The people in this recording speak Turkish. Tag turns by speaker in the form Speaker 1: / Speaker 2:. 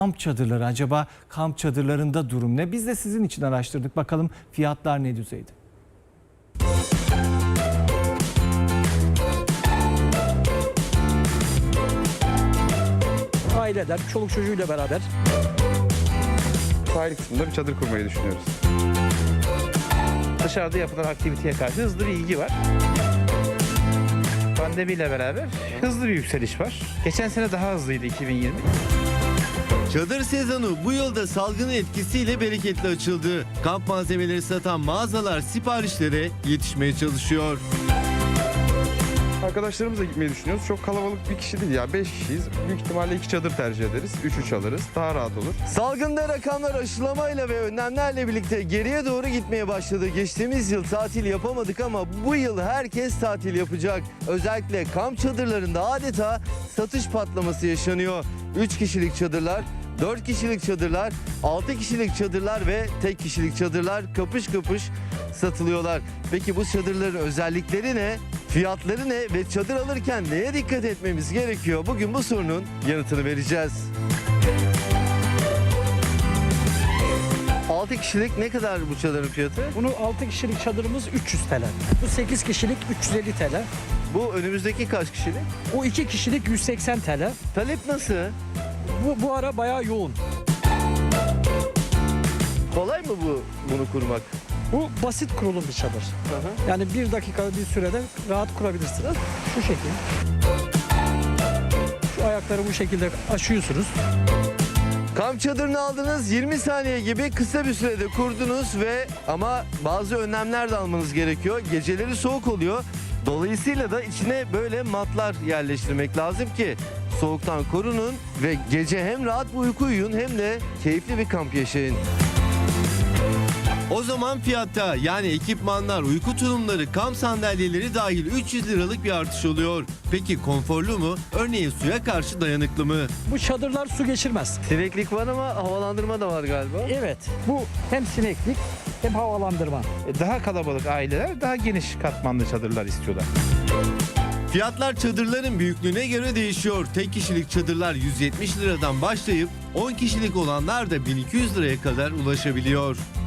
Speaker 1: Kamp çadırları, acaba kamp çadırlarında durum ne? Biz de sizin için araştırdık. Bakalım fiyatlar ne düzeyde?
Speaker 2: Aileler, çoluk çocuğuyla beraber
Speaker 3: Sahil kısmında bir çadır kurmayı düşünüyoruz.
Speaker 4: Dışarıda yapılan aktiviteye karşı hızlı bir ilgi var. Pandemiyle beraber hızlı bir yükseliş var. Geçen sene daha hızlıydı 2020.
Speaker 5: Çadır sezonu bu yılda salgının etkisiyle bereketli açıldı. Kamp malzemeleri satan mağazalar siparişlere yetişmeye çalışıyor.
Speaker 3: Arkadaşlarımızla gitmeyi düşünüyoruz. Çok kalabalık bir kişi değil ya. 5 kişiyiz. Büyük ihtimalle 2 çadır tercih ederiz. 3 alırız. Daha rahat olur.
Speaker 5: Salgında rakamlar aşılamayla ve önlemlerle birlikte geriye doğru gitmeye başladı. Geçtiğimiz yıl tatil yapamadık ama bu yıl herkes tatil yapacak. Özellikle kamp çadırlarında adeta satış patlaması yaşanıyor. 3 kişilik çadırlar, 4 kişilik çadırlar, 6 kişilik çadırlar ve tek kişilik çadırlar kapış kapış satılıyorlar. Peki bu çadırların özellikleri ne? Fiyatları ne ve çadır alırken neye dikkat etmemiz gerekiyor? Bugün bu sorunun yanıtını vereceğiz. 6 kişilik ne kadar bu çadırın fiyatı?
Speaker 2: bunu 6 kişilik çadırımız 300 TL. Bu 8 kişilik 350 TL.
Speaker 5: Bu önümüzdeki kaç kişilik?
Speaker 2: Bu 2 kişilik 180 TL.
Speaker 5: Talep nasıl?
Speaker 2: Bu ara bayağı yoğun.
Speaker 5: Kolay mı bunu kurmak?
Speaker 2: Bu basit kurulum bir çadır. Yani 1 dakika bir sürede rahat kurabilirsiniz. Şu şekil. Şu ayakları bu şekilde aşıyorsunuz.
Speaker 5: Kamp çadırını aldınız, 20 saniye gibi kısa bir sürede kurdunuz ama bazı önlemler de almanız gerekiyor. Geceleri soğuk oluyor. Dolayısıyla da içine böyle matlar yerleştirmek lazım ki soğuktan korunun ve gece hem rahat bir uyku uyuyun hem de keyifli bir kamp yaşayın. O zaman fiyatta yani ekipmanlar, uyku tulumları, kamp sandalyeleri dahil 300 liralık bir artış oluyor. Peki konforlu mu? Örneğin suya karşı dayanıklı mı?
Speaker 2: Bu çadırlar su geçirmez.
Speaker 5: Sineklik var ama havalandırma da var galiba.
Speaker 2: Evet. Bu hem sineklik hem havalandırma.
Speaker 4: Daha kalabalık aileler daha geniş katmanlı çadırlar istiyorlar.
Speaker 5: Fiyatlar çadırların büyüklüğüne göre değişiyor. Tek kişilik çadırlar 170 liradan başlayıp 10 kişilik olanlar da 1200 liraya kadar ulaşabiliyor.